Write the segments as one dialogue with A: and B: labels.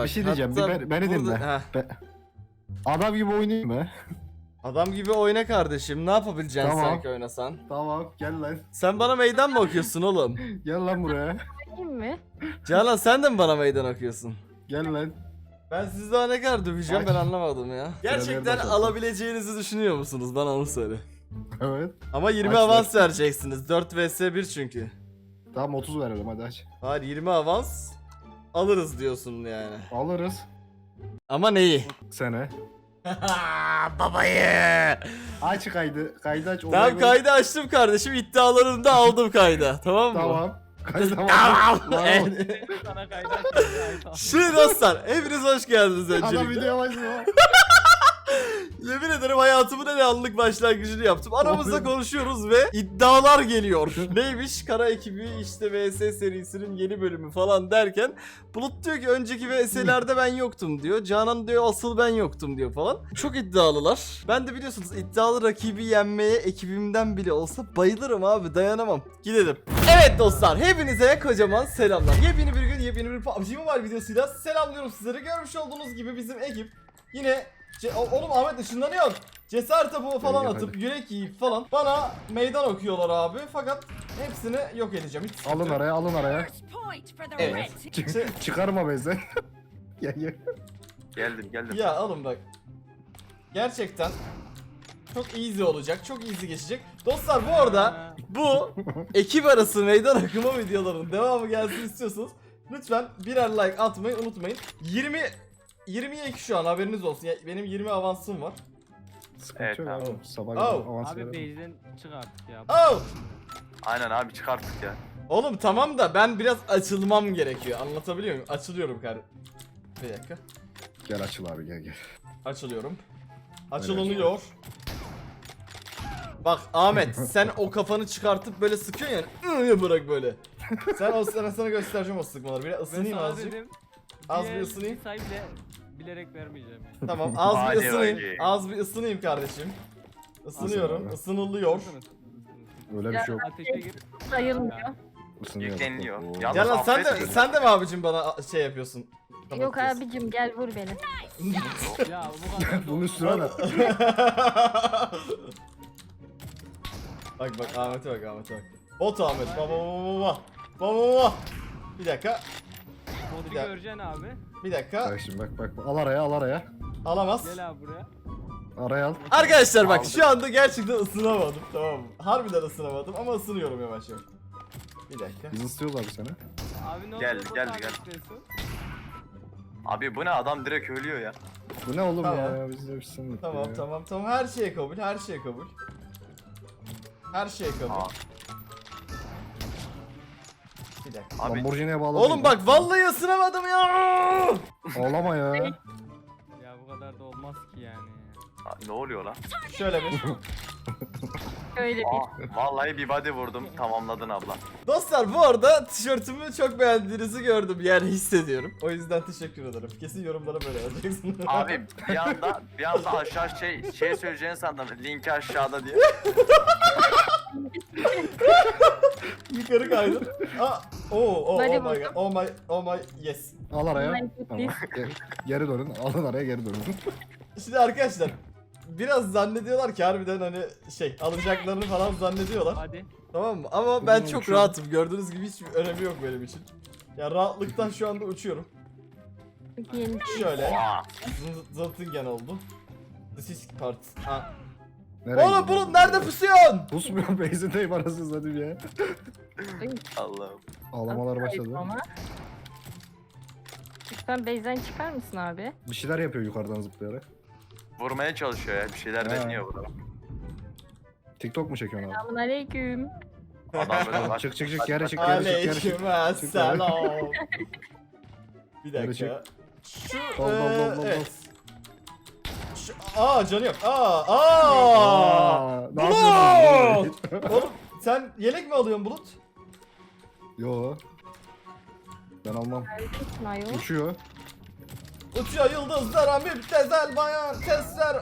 A: Bir şey diyeceğim. Beni dinle. Adam gibi oynayayım mı?
B: Adam gibi oyna kardeşim. Ne yapabileceksin
A: Tamam.
B: sanki oynasan?
A: Tamam gel lan.
B: Sen bana meydan mı okuyorsun oğlum?
A: Gel lan buraya.
C: Değil mi?
B: Canan sen de mi bana meydan okuyorsun?
A: Gel lan.
B: Ben sizi daha ne kadar döveceğim ben anlamadım ya. Gerçekten
A: bakalım.
B: alabileceğinizi düşünüyor musunuz? Bana onu söyle.
A: Evet.
B: Ama 20
A: Aç
B: avans vereceksiniz. 4 vs 1 çünkü.
A: Tamam 30 verelim hadi aç.
B: Hayır 20 avans alırız diyorsun yani.
A: Alırız.
B: Ama neyi?
A: Sene.
B: Babayı.
A: Aç kaydı. Kaydı aç.
B: Tamam
A: Olay-
B: kaydı açtım kardeşim. İddialarını da aldım kayda. Tamam mı?
A: Tamam. Kaydı
B: Tamam.
A: Evet.
D: Sana kaydak.
B: Şimdi dostlar hepiniz hoş geldiniz
A: Adam
B: öncelikle.
A: video başlıyor.
B: Yemin ederim hayatımın en anlık başlangıcını yaptım. Aramızda
A: Oğlum.
B: konuşuyoruz ve iddialar geliyor. Neymiş? Kara ekibi işte VS serisinin yeni bölümü falan derken Bulut diyor ki önceki VS'lerde ben yoktum diyor. Canan diyor asıl ben yoktum diyor falan. Çok iddialılar. Ben de biliyorsunuz iddialı rakibi yenmeye ekibimden bile olsa bayılırım abi, dayanamam. Gidelim. Evet dostlar hepinize kocaman selamlar. Yepyeni bir gün yepyeni bir PUBG Mobile videosuyla selamlıyorum sizleri. Görmüş olduğunuz gibi bizim ekip yine oğlum Ahmet ışınlanıyor. Cesaret topu falan
A: Hadi.
B: atıp yürek yiyip falan bana meydan okuyorlar abi. Fakat hepsini yok edeceğim. Hiç
A: Alın araya alın araya.
B: Evet.
A: Çıkarma bezden. Gel gel.
E: Geldim.
B: Ya alın bak. Gerçekten çok easy olacak. Çok easy geçecek. Dostlar bu arada bu ekip arası meydan okuma videolarının devamı gelsin istiyorsanız lütfen birer like atmayı unutmayın. 22 şu an haberiniz olsun. Ya, benim 20 avansım var.
A: Sıkıntı
E: Evet,
A: yok
E: tamam.
A: abi. Sabah
B: Oh.
A: kadar avans
D: Abi
A: verelim.
D: base'den çık artık ya.
B: Oh!
E: Aynen abi çıkarttık ya.
B: Oğlum tamam da ben biraz açılmam gerekiyor. Anlatabiliyor muyum? Açılıyorum kardeşim. Bir dakika.
A: Gel açıl abi gel gel.
B: Açılıyorum. Açılınıyor. Bak Ahmet sen o kafanı çıkartıp böyle sıkıyorsun yani. Bırak böyle. Sen o sana göstereceğim o sıkmaları. Bir ısınayım azıcık. Az bir ısınayım.
D: Say bile bilerek vermeyeceğim. Yani.
B: Tamam az bir
E: Hadi
B: ısınayım.
E: bakayım.
B: Az bir ısınayım kardeşim. Isınıyorum.
A: abi.
B: Isınılıyor.
A: Öyle bir şey yok.
D: Ateşe gir.
C: Sayılmıyor.
A: Isınıyor.
E: Yükleniyor.
A: Oo.
E: Yalnız
B: Canan
E: affetmiyorum.
B: sen de mi abicim bana şey yapıyorsun?
C: Yok
B: Kapatıyorsun.
C: abicim gel vur beni.
D: Ya bu kadar.
A: Bunun üstüne at.
B: Bak Ahmet'e bak. Bot Ahmet. Baba. Bir dakika.
D: Modu
B: Bir dakika.
D: göreceksin abi.
B: Bir dakika.
A: Bak şimdi bak. Al araya al araya.
B: Alamaz.
D: Gel abi buraya.
A: Araya al.
B: Arkadaşlar bak
E: Aldım.
B: şu anda gerçekten ısınamadım, tamam mı? Harbiden ısınamadım ama ısınıyorum yavaş yavaş. Bir dakika.
A: Biz ısıtıyoruz abi seni.
D: Abi ne
E: Geldi,
D: oluyor?
E: geldi,
D: Bot
E: geldi.
D: istiyorsun?
E: Abi bu ne adam direkt ölüyor ya.
A: Bu ne oğlum
B: Tamam.
A: ya? Biz de bir sınır.
B: Tamam her şeye kabul. Her şeye kabul.
E: Aa,
B: Bir dakika.
E: abi
A: Lamborghini'ye bağlı.
B: Oğlum bak vallahi ısınamadım ya.
A: Ağlama ya.
D: Ya bu kadar da olmaz ki yani.
E: ne oluyor lan?
B: Şöyle bir.
C: Öyle bir.
E: Vallahi bir body vurdum tamamladın abla.
B: Dostlar bu arada tişörtümü çok beğendiğinizi gördüm. Yani hissediyorum. O yüzden teşekkür ederim. Kesin yorumlara böyle yazacaksın.
E: Abi bir anda aşağı şey söyleyeceğini sandım. Linki aşağıda diye.
B: Yukarı kaydım. Oh
C: Hadi
B: my
C: bakalım.
B: god. Oh my yes.
A: Al araya.
C: Ben
A: Tamam. Geri dönün. Alın araya geri dönün.
B: Şimdi arkadaşlar biraz zannediyorlar ki harbiden hani şey alacaklarını falan zannediyorlar.
D: Hadi.
B: Tamam mı? Ama ben
A: Bugün
B: çok
A: uçuyorum.
B: rahatım. Gördüğünüz gibi hiçbir önemi yok benim için. Ya rahatlıktan şu anda uçuyorum.
C: Yeni.
B: Şöyle.
E: Aa,
B: Zıltingen oldu. This is part. Ha.
A: Nereye
B: Oğlum
A: gidiyorsun?
B: bunun nerede pusuyorsun?
A: Pusmuyor beyzindeyim arasını satayım ya.
E: Allah'ım.
A: Ağlamalar başladı.
C: Ama. Lütfen base'den çıkar mısın abi?
A: Bir şeyler yapıyor yukarıdan zıplayarak.
E: Vurmaya çalışıyor ya bir şeyler
A: Ha.
E: deniyor burada.
A: TikTok mu çekiyorsun abi?
C: Selamun aleyküm.
E: Adam böyle
A: Tamam,
E: bak.
A: çık geri çık geri çık.
B: Aleyküm selam. Bir
A: Geri
B: dakika. Şu
A: Dol.
B: evet. Canı yok.
A: Ne yapıyorsun?
B: Oğlum sen yelek mi alıyorsun Bulut?
A: Yo. Ben almam.
C: Neredesin ayol?
A: Uçuyor.
B: Uçuyor yıldızlara müptezel bayan sesler.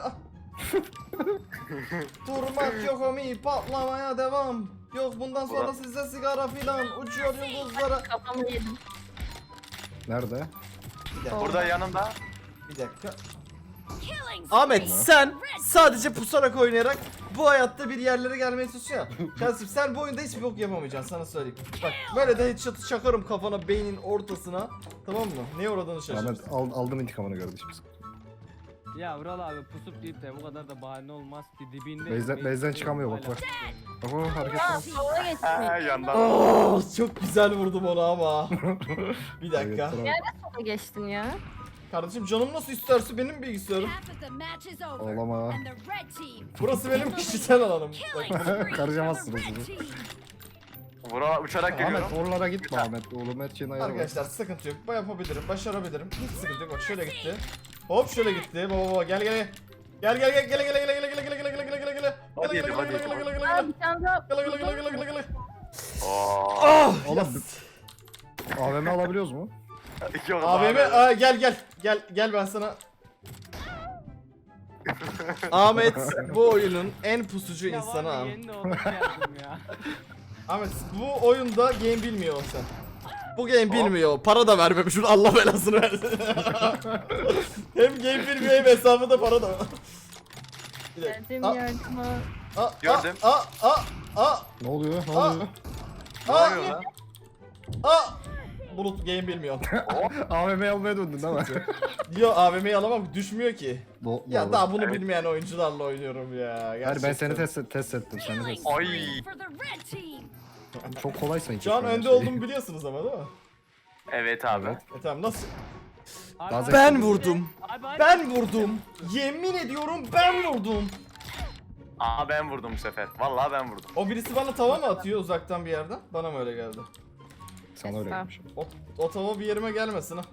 B: Durmak yok omi patlamaya devam. Yok bundan sonra
E: Ulan.
B: size sigara filan. Uçuyor yıldızlara.
C: Kafamı yedim.
A: Nerede?
E: Burada yanında.
B: Bir dakika. Ahmet sen sadece pusarak oynayarak bu hayatta bir yerlere gelmeye çalışıyorsun. Kardeşim sen bu oyunda hiçbir bok yapamayacaksın sana söyleyeyim. Bak böyle de headshot'ı çakarım kafana beynin ortasına. Tamam mı? Neye uğradığını şaşırırsın.
A: Ahmet aldın intikamını kardeşim.
D: Ya Vural abi pusup deyip de bu kadar da bahane olmaz ki dibinde.
A: Base'den çıkamıyor, bak, bak. Bak hareket
C: Aa,
A: var.
C: sola
E: Ha,
C: geçtin.
E: yandan.
B: Oh, çok güzel vurdum onu ama. Bir dakika.
C: Sola geçtin ya.
B: Kardeşim canım nasıl isterse benim bilgisayarım.
A: Ağlama.
B: Burası benim kişisel alanım. Bak,
A: Karışamazsınız.
E: Vural uçarak geliyorum.
A: Ahmet oralara gitme Ahmet. Oğlum her şeyin ayarı var.
B: arkadaşlar sıkıntı yok. Yapabilirim, başarabilirim. Hiç sıkıntı yok. Bak şöyle gitti. Hop şöyle gitti. Baba gel gel. Gel gel gel gel gel gel gel gel gel gel gel gel gel gel.
E: Hadi yedim, hadi yedim.
C: Aa, bir tane daha.
E: Oo.
B: Ah!
A: Oğlum AVM alabiliyoruz mu?
E: Yok,
B: AVM
E: abi.
B: gel ben sana. Ahmet bu oyunun en pusucu
D: Ya
B: insanı
D: var
B: abi.
D: ya, yeni de olup geldim ya.
B: Ahmet bu oyunda game bilmiyor sen. Bu game bilmiyor. Para da vermemiş. Şunu Allah belasını versin. Hem game bilmiyor hem hesabı da para da var. Bir dakika.
C: Geldim
B: Aa,
C: yardıma.
B: aa,
E: Gördüm.
B: Aa.
A: Ne oluyor? Ne oluyor?
E: Ne oluyor lan?
B: Bulut game bilmiyor.
A: AVM almaya döndün değil mi?
B: Diyor AVM'yi alamam düşmüyor ki. Ya
A: Doğru.
B: daha bunu
E: Evet.
B: bilmeyen oyuncularla oynuyorum ya.
A: Hayır ben
B: Gerçekten.
A: seni test ettim. Seni test ettim.
E: Ay.
A: Çok kolay sanki.
B: Şu an
A: şu an
B: önde
A: şey.
B: olduğumu biliyorsunuz ama değil mi?
E: Evet abi.
B: Tamam nasıl?
D: Abi,
A: Daha
D: abi,
A: Ben
D: abi,
B: vurdum.
D: Abi, abi.
B: Ben vurdum. Yemin ediyorum ben vurdum.
E: Aa ben vurdum bu sefer. Vallahi ben vurdum.
B: O birisi bana tava mı atıyor uzaktan bir yerden? Bana mı öyle geldi?
A: Sana öyle gelmiş.
B: O tava bir yerime gelmesin ha.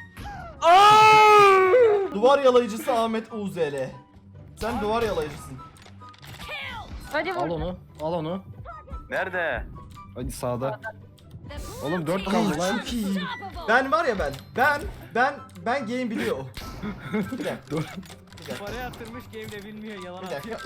B: Duvar yalayıcısı Ahmet UZL. Sen duvar yalayıcısın.
C: Hadi
A: Al
C: vur.
A: onu. Al onu.
E: Nerede?
A: Hadi sağda. Oğlum 4 kaldı lan.
B: Çok iyiyim. Ben var ya ben game biliyor. Bir dakika.
A: Dur.
D: Parayı yatırmış game'de bilmiyor yalan
B: Bir
D: atıyor.
B: dakika.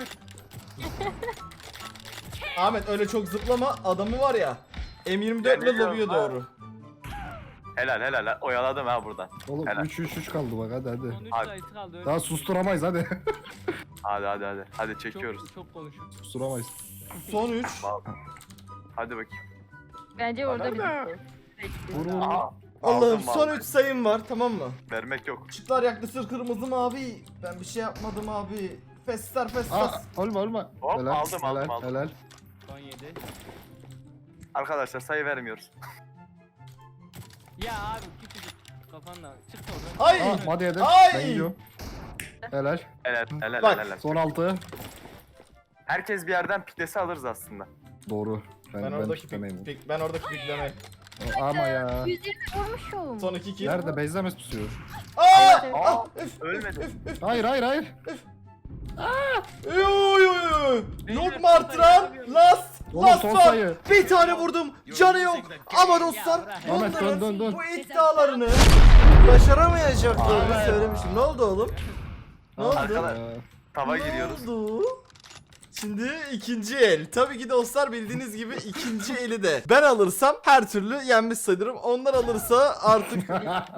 B: Ahmet öyle çok zıplama adamı var ya. M24 ile
E: biliyorum
B: lobiye
E: ha.
B: doğru.
E: Helal helal. Oyaladım ha buradan.
A: Oğlum
E: Helal.
A: 3 kaldı bak hadi.
D: Son 3
E: Abi.
D: sayısı kaldı öyle.
A: Daha susturamayız hadi.
E: Hadi. Hadi çekiyoruz.
D: Çok konuşuyor.
A: Susturamayız.
B: Son 3.
E: Hadi bakayım.
C: Bence orada bir
A: Vur vur.
E: Aa.
B: Allah'ım
E: aldım
B: son
E: vallahi.
B: 3 sayım var tamam mı?
E: Vermek yok.
B: Işıklar yaktı kırmızı mavi. Ben bir şey yapmadım abi. Fesler festas.
A: Aa, ölme.
E: Hop,
A: Helal,
E: aldım,
A: helal,
E: aldım.
A: helal.
D: Son 7.
E: Arkadaşlar sayı vermiyoruz.
D: Ya abi küçücük kafanla çık oradan.
B: Ay!
A: Aa, hadi yedim.
B: Ay!
A: Ben gidiyorum. Helal.
E: Helal
B: Bak.
E: helal.
A: Son 6.
E: Herkes bir yerden piklesi alırız aslında.
A: Doğru.
B: Ben
A: Ben
B: oradaki
A: piklemeyim.
B: ben oradaki pikleme.
A: Ama ya.
C: 120 vurmuşum.
B: Son 2 kill.
A: Nerede? Base'de mi tutuyor?
B: Aa!
C: Evet.
E: Aa ölmedi.
A: Hayır.
B: Yok
D: Beyler,
B: Martran.
D: son sayı
B: Last.
A: Oğlum,
B: Last
A: son
B: var.
A: sayı.
B: Bir tane vurdum. Canı yok. Ama dostlar
A: Ahmet,
B: bunların
A: dön.
B: bu iddialarını başaramayacaklarını söylemiştim. Ne oldu oğlum? Ne oldu?
E: Arkadaş
A: Aa,
E: tava
B: Ne
E: giriyoruz.
B: oldu? Şimdi ikinci el. Tabii ki dostlar bildiğiniz gibi ikinci eli de ben alırsam her türlü yenmiş sayılırım. Onlar alırsa artık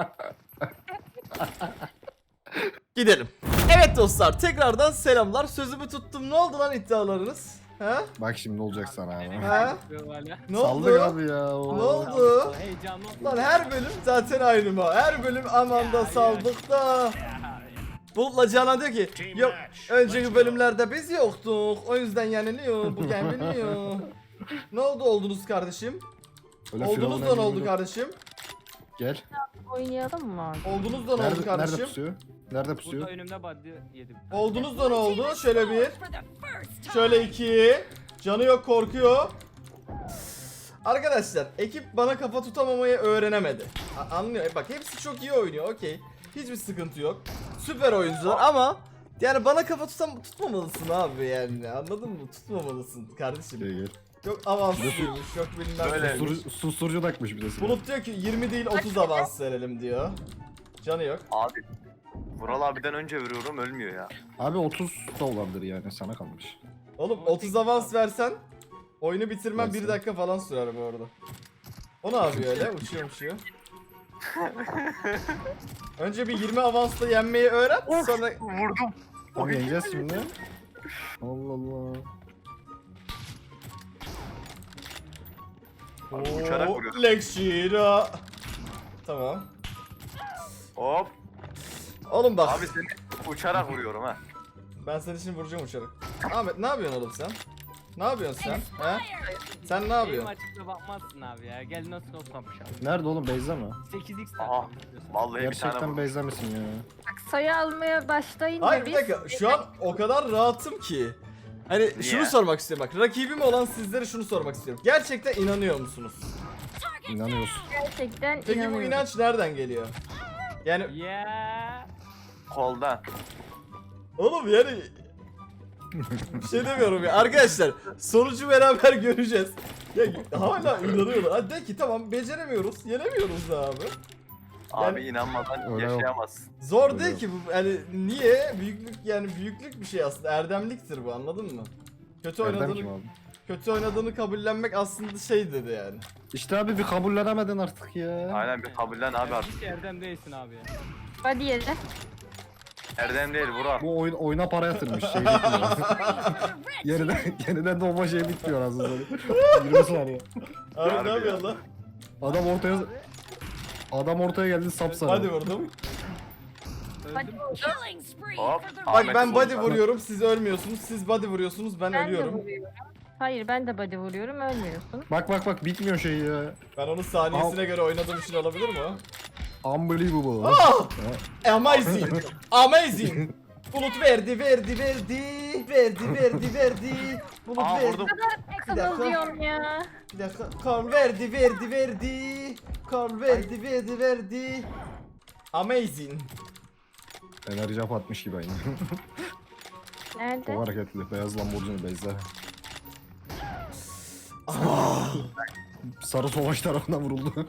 B: gidelim. Evet dostlar tekrardan selamlar. Sözümü tuttum. Ne oldu lan iddialarınız? Ha?
A: Bak şimdi ne olacak sana abi.
B: Ha?
D: Hala.
B: Ne
A: Saldık
B: oldu?
A: abi ya.
B: Ne oldu?
D: Heyecanlı oldu.
B: Lan her bölüm zaten aynı mı? Her bölüm aman da saldık da. Bulut'la Canan diyor ki yok önceki bölümlerde biz yoktuk. O yüzden yeniliyor. Bu yeniliyor. Ne oldu oldunuz kardeşim?
A: Öyle
B: Oldunuz
A: Firavun
B: da ne oldu
A: emri
B: kardeşim?
A: Gel.
C: Oynayalım mı abi?
B: Oldunuz da ne oldu
A: Nerede
B: kardeşim?
A: pusuyor? Nerede
D: Burada
A: pusuyor?
D: önümde body yedim.
B: Oldunuz da ne oldu? Şöyle bir. Şöyle iki. Canı yok korkuyor. Arkadaşlar ekip bana kafa tutamamayı öğrenemedi. Anlıyor. Bak hepsi çok iyi oynuyor okey. Hiçbir sıkıntı yok. Süper oyuncular ama yani bana kafa tutmamalısın abi yani anladın mı? Tutmamalısın kardeşim.
A: Gel.
B: Yok avanslıymış yok bilmem
E: Böyle.
B: neymiş.
A: Susturucu takmış bir de silah.
B: Bulut diyor ki 20 değil 30 avans verelim diyor. Canı yok.
E: Abi. Vural abiden önce vuruyorum ölmüyor ya.
A: Abi 30 da olabilir yani sana kalmış.
B: Oğlum 30 avans versen oyunu bitirmem
A: Versin.
B: 1 dakika falan sürer bu arada. O ne yapıyor öyle? Uçuyor. Önce bir 20 avansla yenmeyi öğren. Sonra
E: Vurdum.
A: Abi yeneceğiz şimdi. Allah Allah.
E: Abi uçarak vuruyor.
B: Lekşira. Tamam.
E: Hop.
B: Oğlum bak.
E: Abi seni uçarak vuruyorum ha.
B: Ben seni şimdi vuracağım uçarak. Ahmet ne yapıyorsun oğlum sen? Ne yapıyorsun sen? He? Sen ne
D: Benim
B: yapıyorsun?
D: açıkta bakmazsın abi ya. Gel nasıl kapış abi.
A: Nerede oğlum Beyza mı?
D: 8x
E: Aha.
D: takip istiyorsan.
E: Vallahi bir tane
A: Gerçekten
E: vurdum.
A: Beyza mısın ya?
C: Bak sayı almaya başlayınca
B: Hayır bir
C: biz...
B: dakika şu an o kadar rahatım ki. Hani şunu sormak istiyorum bak. Rakibim olan sizlere şunu sormak istiyorum. Gerçekten inanıyor musunuz?
A: İnanıyorsun.
C: Gerçekten
B: Peki bu
C: inanıyorum.
B: inanç nereden geliyor? Yani
D: Yeah.
E: Koldan.
B: oğlum yani bir şey demiyorum ya. Arkadaşlar sonucu beraber göreceğiz. Ya hala inanıyorlar. Hadi de ki tamam beceremiyoruz. Yenemiyoruz da abi.
E: Abi inanmadan
A: Öyle yok.
E: yaşayamazsın.
B: Zor
A: Öyle
B: değil
A: yok.
B: ki bu. Yani niye? Büyüklük yani büyüklük bir şey aslında. Erdemliktir bu anladın mı? Kötü
A: Erdem
B: oynadığını
A: kim abi?
B: kötü oynadığını kabullenmek aslında şey dedi yani.
A: İşte abi bir kabullenemedin artık ya.
E: Aynen bir kabullen abi artık.
D: Hiç erdem değilsin abi ya.
C: Hadi yere.
E: Erdem değil Vural.
A: Bu oyuna para yatırmış şey bitmiyor. yeniden doğma şey bitmiyor aslında. 20 saniye.
B: Abi
E: Harbi
B: ne yapıyorsun lan?
A: Adam ortaya geldi sapsarı.
B: Hadi vurdum.
C: Hadi
D: Öldüm.
E: Hop.
B: Bak
E: Ahmet
B: ben body
E: vurdu.
B: vuruyorum siz ölmüyorsunuz. Siz body vuruyorsunuz ben
C: Ben de
B: ölüyorum.
C: vuruyorum. Hayır ben de body vuruyorum ölmüyorsun.
A: Bak bitmiyor şey ya.
B: Ben onun saniyesine göre oynadığım için olabilir mi o?
A: Unbelievable.
B: Ah! Amazing! Amazing! Bulut verdi. Bulut
E: Aa
B: verdi.
E: vurdum.
B: Bir dakika.
C: Kıvılcıyorum ya.
B: Bir dakika. Karl verdi. Karl verdi. Amazing.
A: Enerji hap atmış gibi aynı.
C: Nerede?
A: Çok hareketli. Beyaz Lamborghini Beyza. Sarı Savaş tarafından vuruldu.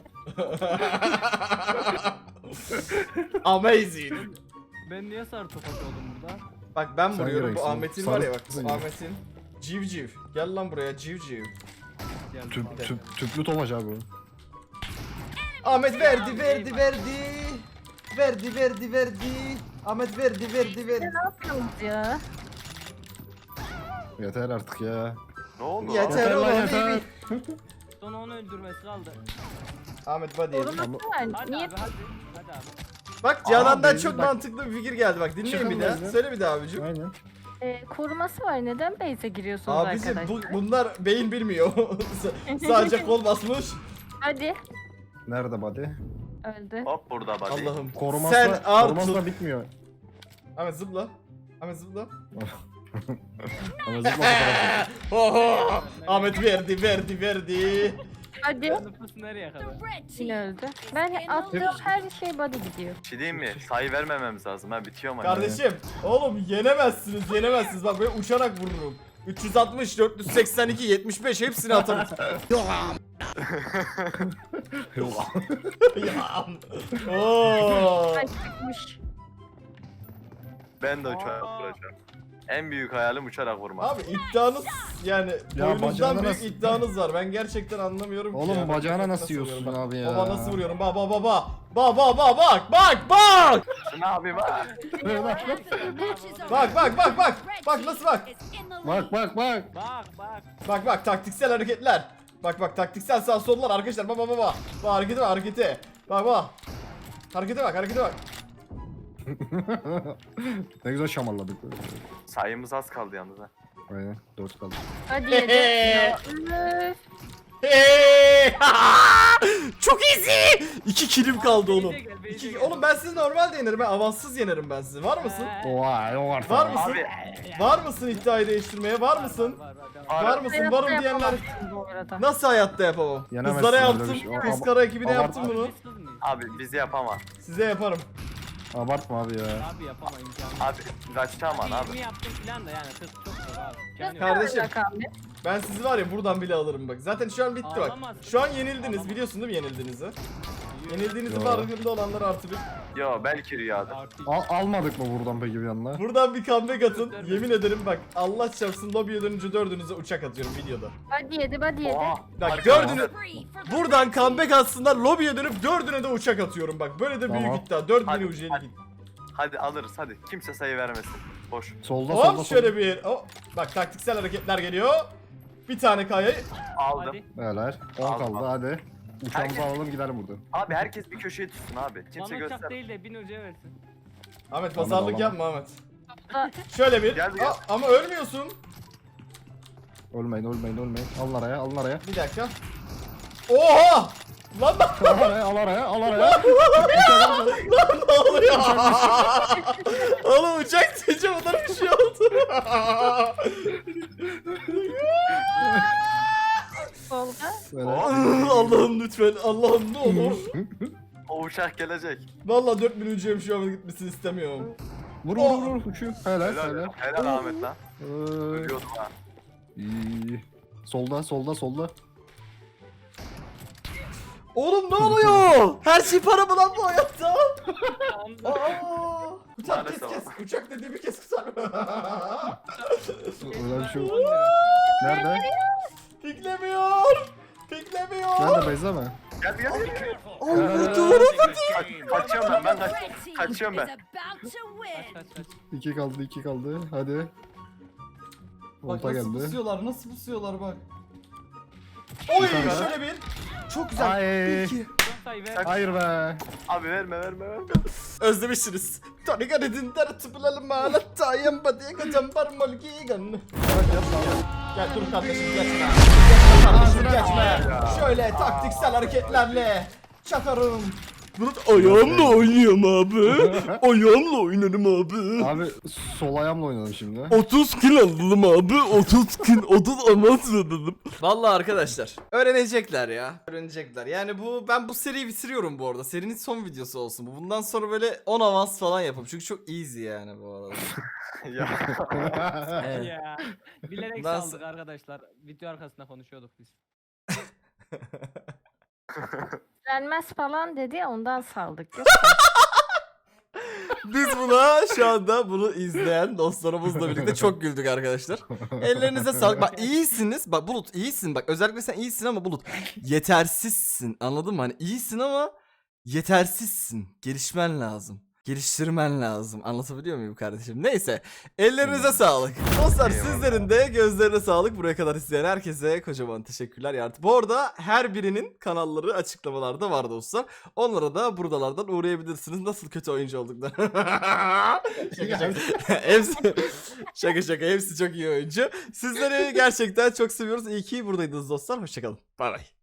B: Amazing.
D: Ben niye sarı topak oldum burada?
B: Bak ben
A: Sen
B: vuruyorum bu
A: gereksin.
B: Ahmet'in var ya bak
A: Sarısın
B: bu
A: ya.
B: Ahmet'in. Civciv. Gel lan buraya civciv.
D: Geldim abi.
A: Tüplü Tofaş abi o.
B: Ahmet verdi. Ahmet verdi.
C: Ne yapıyorsunuz ya?
A: Yeter artık ya.
E: Ne oldu
B: Yeter.
E: lan?
B: oğlum,
A: yeter.
B: baby.
D: Sonra onu öldürmesi kaldı.
B: Ahmet body yedi.
C: Koruması var.
D: Hadi
C: Niye?
D: abi hadi. Hadi abi.
B: Bak Canan'dan
A: Aa,
B: çok
A: bak-
B: mantıklı bir fikir geldi bak dinleyin bir daha.
A: Çıkın
B: Söyle bir daha abicim.
A: Aynen.
C: Koruması var. Neden base'e giriyorsunuz
B: Abicim
C: arkadaşlar?
B: bunlar beyin bilmiyor. Sadece kol basmış.
C: Hadi.
A: Nerede body?
C: Öldü.
E: Hop burada buddy.
B: Allah'ım.
A: Koruması
B: Sen
A: koruması
B: artık.
A: da bitmiyor.
B: Ahmet zıpla. Ahmet zıpla.
A: Ama zıpla fotoğrafı.
B: Oho! Ahmet verdi.
C: Hadi.
D: Nüfus nereye kadar?
C: Yine öldü. Ben attığım her şey body gidiyor.
E: Bir şey diyeyim mi? Sayı vermememiz lazım ha bitiyor mu?
B: Kardeşim oğlum yenemezsiniz. Ben böyle uçarak vururum. 360, 482, 75 hepsini atarım.
A: Yok.
B: Ya. Oo.
C: Ay çıkmış.
E: Ben de uçarak vuracağım. En büyük hayalim uçarak vurmak.
B: Abi iddianız yani
A: Ya
B: boynuzdan
A: bacağına
B: büyük
A: nasıl-
B: iddianız var. Ben gerçekten anlamıyorum ki
A: Oğlum
B: ya.
A: bacağına
B: Bak,
A: nasıl yiyorsun
B: vuruyorum bak.
A: abi ya?
B: Baba nasıl vuruyorum? Bak.
E: Ne yapayım ha?
B: Bak nasıl bak.
A: Bak.
D: Bak.
B: Taktiksel hareketler. Bak taktiksel sağ sollar arkadaşlar. Bak. Bak harekete. Bak. Harekete bak.
A: Ne güzel şamarladık.
E: Sayımız az kaldı yalnız ha.
A: Aynen 4 kaldı.
C: Hadi yedi. Ya, üf.
B: Hey! Çok easy. 2 kilim kaldı oğlum.
D: Beyze gel, beyze gel.
B: Oğlum ben sizi normalde yenerim. Ben avanssız yenerim ben sizi. Var mısın?
A: Oha yok artık.
B: Var mısın?
E: Abi
B: Var mısın iddiayı değiştirmeye? Var mısın? Var mısın?
C: Hayatta
B: Varım diyenler
C: yapamazsın bu arada.
B: nasıl hayatta yapamam?
A: Yenemezsin
B: Kızlara
A: öyle
B: yaptım.
A: bir şey.
B: Kız
A: Ama-
B: kara ekibine
A: ama-
B: yaptım bunu.
E: abi bizi yapamaz.
B: Size yaparım.
A: Abartma abi ya.
D: Abi yapama imkanı.
E: Abi kaçtamam abi.
D: 20 yaptım filan da yani 40 çok zor abi.
C: Nasıl
B: Kardeşim.
C: olacak abi?
B: Ben sizi var ya buradan bile alırım bak. Zaten şu an bitti bak.
D: Ağlamazsın.
B: Şu an yenildiniz.
D: Ağlamazsın.
B: Biliyorsun değil mi yenildiğinizi? Yenildiğinizin
A: Yo.
B: farkında olanlar artı bir.
E: Yo belki rüyadır.
D: Artık
A: Almadık mı buradan peki bir yanına?
B: Buradan bir comeback atın. Yemin ederim bak Allah çarpsın lobiye dönünce dördünüze uçak atıyorum videoda.
C: Body yedi, body yedi.
E: Oha.
B: Bak
E: Harika.
B: dördünü buradan comeback atsınlar lobiye dönüp dördüne de uçak atıyorum bak. Böyle de büyük
A: Tamam.
B: iddia. 4000
E: Hadi,
B: UC'lik
E: hadi.
B: iddia.
E: Hadi alırız hadi. Kimse sayı vermesin. Boş.
A: Solda solda
B: Hop
A: solda.
B: şöyle bir. Hop. Bak taktiksel hareketler geliyor. Bir tane kayayı.
E: Aldım.
D: hadi.
A: Beyler 10
E: Al,
A: kaldı
E: al.
A: hadi. Uçağımızı
E: Herkes-
A: alalım gidelim buradan.
E: Abi herkes bir köşeye tutsun abi. Kimse
D: Bana uçak
E: göster.
D: değil de 1000 hocaya versin.
B: Ahmet
A: Tamam,
B: pazarlık
A: tamam.
B: yapma Ahmet.
C: Da-
B: Şöyle bir.
E: Gel, gel.
B: Ama ölmüyorsun.
A: Ölmeyin ölmeyin ölmeyin. Alın araya alın araya.
B: Bir dakika. Oha! Lan
A: Al araya al araya al araya.
B: ne oluyor? Oğlum uçak deyince bunlar bir şey oldu.
C: Solda.
A: Böyle.
B: Allah'ım lütfen. Allah'ım ne olur.
E: O uçak gelecek.
B: Vallahi 4000 ucuyum şu an gitmesini istemiyorum.
A: Vur vur vur uçuyor. Helal
E: Helal,
A: helal.
E: helal Ahmet lan.
A: Ee,
E: Ölüyordum ha.
A: iyi. Solda solda solda.
B: Oğlum ne oluyor? Her şey para mı lan bu hayatta?
D: Anda.
B: Aa! Uçak kes
E: Maalesef.
B: kes. Uçak dediğimi kes kısar.
A: Öyle bir şey yok.
D: 10 lira.
A: Nerede?
B: Piklemiyor. Piklemiyor.
A: Nerede Beyza mı?
E: Gel bir gel.
B: Oğlum doğru.
E: Kaçıyorum ben kaçıyorum ben.
D: Kaç kaç kaç.
A: 2 kaldı 2 kaldı. Hadi.
B: Bak
A: Volta
B: nasıl
A: geldi.
B: pusuyorlar, nasıl pusuyorlar bak. Oy
A: tane daha.
B: şöyle bir. Çok güzel.
A: Ay.
B: İki.
D: Son sayı ver.
A: Hayır be.
E: Abi verme.
B: Özlemişsiniz. Tonika dedin der tıpılalım ağlatta yamba diye kaçan parmol gigan. Gel dur kardeşim geçme. Geçme kardeşim geçme. Şöyle taktiksel hareketlerle çakarım. Bulut ayağımla oynuyorum abi. Ayağımla oynarım abi.
A: Abi sol ayağımla oynadım şimdi.
B: 30 kill aldım abi. 30 kill 30 avans verdim. Vallahi arkadaşlar öğrenecekler ya. Öğrenecekler. Yani ben bu seriyi bitiriyorum bu arada. Serinin son videosu olsun bu. Bundan sonra böyle 10 avans falan yapalım. Çünkü çok easy yani bu arada.
E: Ya.
B: Evet.
D: Ya. Bilerek
B: Bundan
D: saldık arkadaşlar. Video arkasında konuşuyorduk biz.
C: Gelmez falan dedi ya, ondan saldık.
B: Biz buna şu anda bunu izleyen dostlarımızla birlikte çok güldük arkadaşlar. Ellerinize sağlık. Bak iyisiniz. Bak Bulut iyisin. Bak özellikle sen iyisin ama Bulut yetersizsin. Anladın mı? Hani iyisin ama yetersizsin. Gelişmen lazım. Geliştirmen lazım. Anlatabiliyor muyum kardeşim? Neyse. Ellerinize sağlık. Dostlar
E: Eyvallah.
B: sizlerin de gözlerine sağlık. Buraya kadar izleyen herkese kocaman teşekkürler. Bu arada her birinin kanalları açıklamalarda var dostlar. Onlara da buradalardan uğrayabilirsiniz. Nasıl kötü oyuncu olduklarını. Hepsi şaka hepsi çok iyi oyuncu. Sizleri gerçekten çok seviyoruz. İyi ki buradaydınız dostlar. Hoşçakalın. Bay bay.